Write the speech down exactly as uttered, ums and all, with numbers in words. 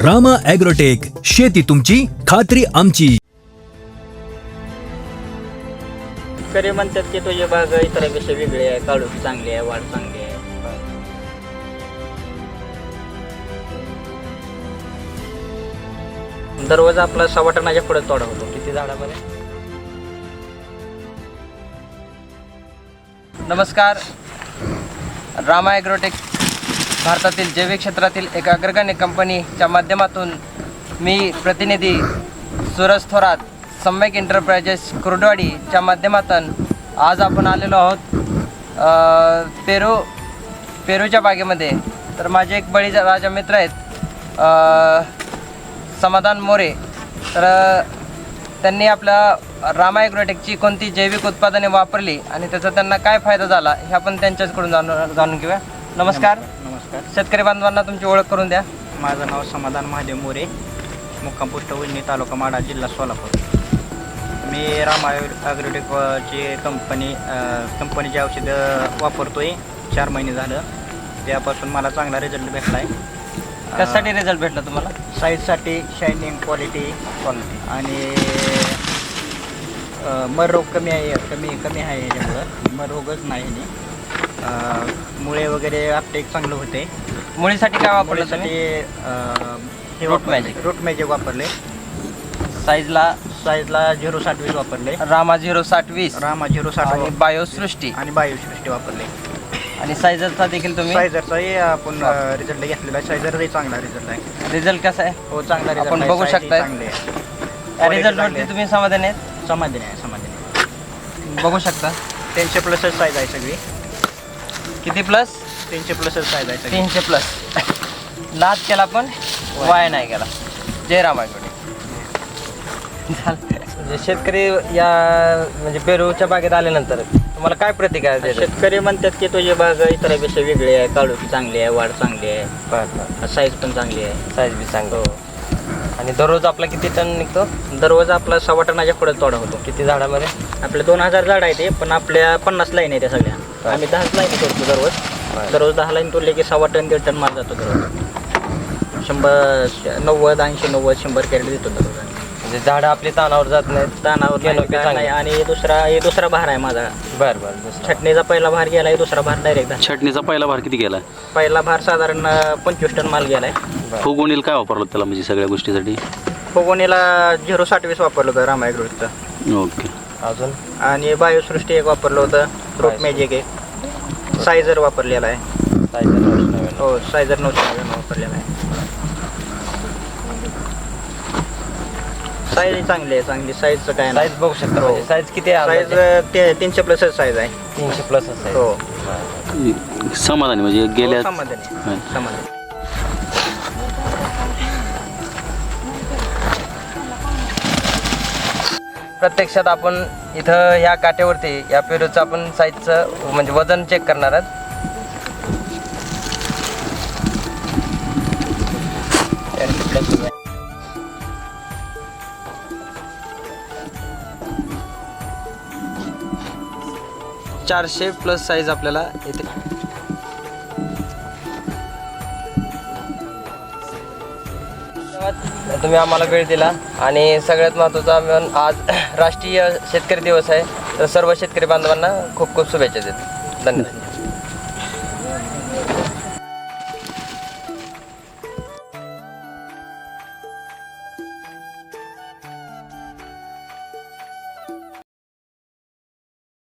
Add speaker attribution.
Speaker 1: Rama agrotech, शेती तुमची खात्री आमची.
Speaker 2: शेतकरी म्हणतात की तुझी बाग इतरांपेक्षा वेगळी आहे, काळोखी चांगली आहे, वाढ चांगली आहे. दररोज आपला सव्वा टनाच्या पुढे तोडा होतो. किती झाडामध्ये?
Speaker 3: नमस्कार. रामा ॲग्रोटेक भारतातील जैविक क्षेत्रातील एक अग्रगण्य कंपनीच्या माध्यमातून मी प्रतिनिधी सूरज थोरात, सम्यक एंटरप्राइजेस कुर्डवाडीच्या माध्यमातून आज आपण आलेलो आहोत पेरू पेरूच्या बागेमध्ये. तर माझे एक बळीराजा मित्र आहेत समाधान मोरे. तर त्यांनी आपल्या रामा ॲग्रोटेकची कोणती जैविक उत्पादने वापरली आणि त्याचा त्यांना काय फायदा झाला हे आपण त्यांच्याकडून जाणून जाणून घेऊया. नमस्कार.
Speaker 2: नमस्कार.
Speaker 3: शेतकरी बांधवांना तुमची ओळख करून द्या.
Speaker 2: माझं नाव समाधान महादेव मोरे, मुक्काम पोस्ट वडणी, तालुका माढा, जिल्हा सोलापूर. मी रामा ॲग्रोटेकची कंपनी कंपनीची औषधं वापरतोय. चार महिने झालं. त्यापासून मला चांगला रिझल्ट भेटला आहे.
Speaker 3: कशासाठी रिझल्ट भेटला तुम्हाला?
Speaker 2: साईजसाठी, शायनिंग, क्वालिटी क्वालिटी आणि मर रोग कमी आहे कमी कमी आहे याच्यामुळं. मर रोगच नाही आणि मुळे वगैरे अपटेक चांगलं होते.
Speaker 3: मुळीसाठी काय वापरलं तुम्ही?
Speaker 2: मुळीसाठी
Speaker 3: रूट मॅजिक
Speaker 2: रूट मॅजिक वापरले.
Speaker 3: साईजला
Speaker 2: साईजला झिरो साठ वीस वापरले.
Speaker 3: रामा झिरो साठ वीस
Speaker 2: रामा झिरो साठ
Speaker 3: आणि बायोसृष्टी
Speaker 2: आणि बायोसृष्टी वापरले.
Speaker 3: आणि सायझरचा देखील तुम्ही?
Speaker 2: सायझरचाही आपण रिझल्ट घेतलेला आहे. सायझरचाही चांगला रिझल्ट आहे.
Speaker 3: रिझल्ट कसा आहे?
Speaker 2: हो, चांगला रिझल्ट
Speaker 3: आपण बघू शकताय.
Speaker 2: चांगले आहे.
Speaker 3: या रिझल्टवरती तुम्ही समाधानी आहेत?
Speaker 2: समाधानी आहे समाधानी आहे.
Speaker 3: बघू शकता.
Speaker 2: तीनशे प्लसच साईज आहे सगळी.
Speaker 3: किती प्लस?
Speaker 2: तीनशे प्लसच साईज आहे सगळी.
Speaker 3: तीनशे प्लस. नाद केला पण वाया नाही केला. जय राम ॲग्रोटेक. म्हणजे शेतकरी या म्हणजे पेरूच्या बागेत आल्यानंतर तुम्हाला काय प्रतिक्रिया देतात?
Speaker 2: शेतकरी म्हणतात की तुझी बाग इतरांपेक्षा वेगळी आहे, काळोखी चांगली आहे, वाढ चांगली आहे,
Speaker 3: बरं.
Speaker 2: साईज पण चांगली आहे.
Speaker 3: साईज बी चांगली. आणि दररोज आपला किती टन निघतो?
Speaker 2: दररोज आपला सव्वा टनाच्या पुढे तोडा होतो.
Speaker 3: किती झाडामध्ये?
Speaker 2: आपले दोन हजार झाड आहे ते, पण आपल्या पन्नास लाईन आहे त्या सगळ्या. आम्ही दहाच लाईन करतो दररोज. दररोज दहा लाईन तोडले की सव्वा टन दीड टन माल जातो दररोज. शंभर नव्वद ऐंशी नव्वद शंभर कॅरेट देतो दररोज.
Speaker 3: म्हणजे झाडं आपली तानावर जात नाहीत.
Speaker 2: तानावर नाही. आणि दुसरा हे दुसरा भार आहे माझा.
Speaker 3: बरं बरं.
Speaker 2: छटणीचा पहिला भार गेला आहे, दुसरा भार डायरेक्ट.
Speaker 4: छटणीचा पहिला भार किती गेला?
Speaker 2: पहिला भार साधारण पंचवीस टन माल गेलाय.
Speaker 4: फुगवणीला काय वापरलं त्याला म्हणजे सगळ्या गोष्टीसाठी?
Speaker 2: फुगवणीला झिरो साठ वीस वापरलं होतं रामा ॲग्रोटेकचं.
Speaker 4: ओके.
Speaker 3: अजून?
Speaker 2: आणि बायोसृष्टी एक वापरलं होतं. रूट मॅजिक एक. सायझर वापरलेला आहे.
Speaker 3: सायझर नऊशे नव्याण्णव.
Speaker 2: हो, सायझर नऊशे नव्याण्णव वापरलेला आहे. साईज चांगली आहे. चांगली साईजचं काय नाही.
Speaker 3: साईज बघू शकता. म्हणजे साईज किती आहे?
Speaker 2: साईज ते तीनशे प्लसच साईज आहे.
Speaker 3: तीनशे प्लस आहे.
Speaker 2: हो,
Speaker 4: समाधानी म्हणजे गेल्या
Speaker 2: समाधानी
Speaker 4: हां.
Speaker 2: समाधानी.
Speaker 3: प्रत्यक्षात आपण इथं या काट्यावरती या पेरूचं आपण साईजचं म्हणजे वजन चेक करणार आहात. चारशे प्लस साईज आपल्याला इथे. तुम्ही आम्हाला वेळ दिला आणि सगळ्यात महत्त्वाचा आपण आज राष्ट्रीय शेतकरी दिवस आहे. तर सर्व शेतकरी बांधवांना खूप खूप शुभेच्छा देतो. धन्यवाद.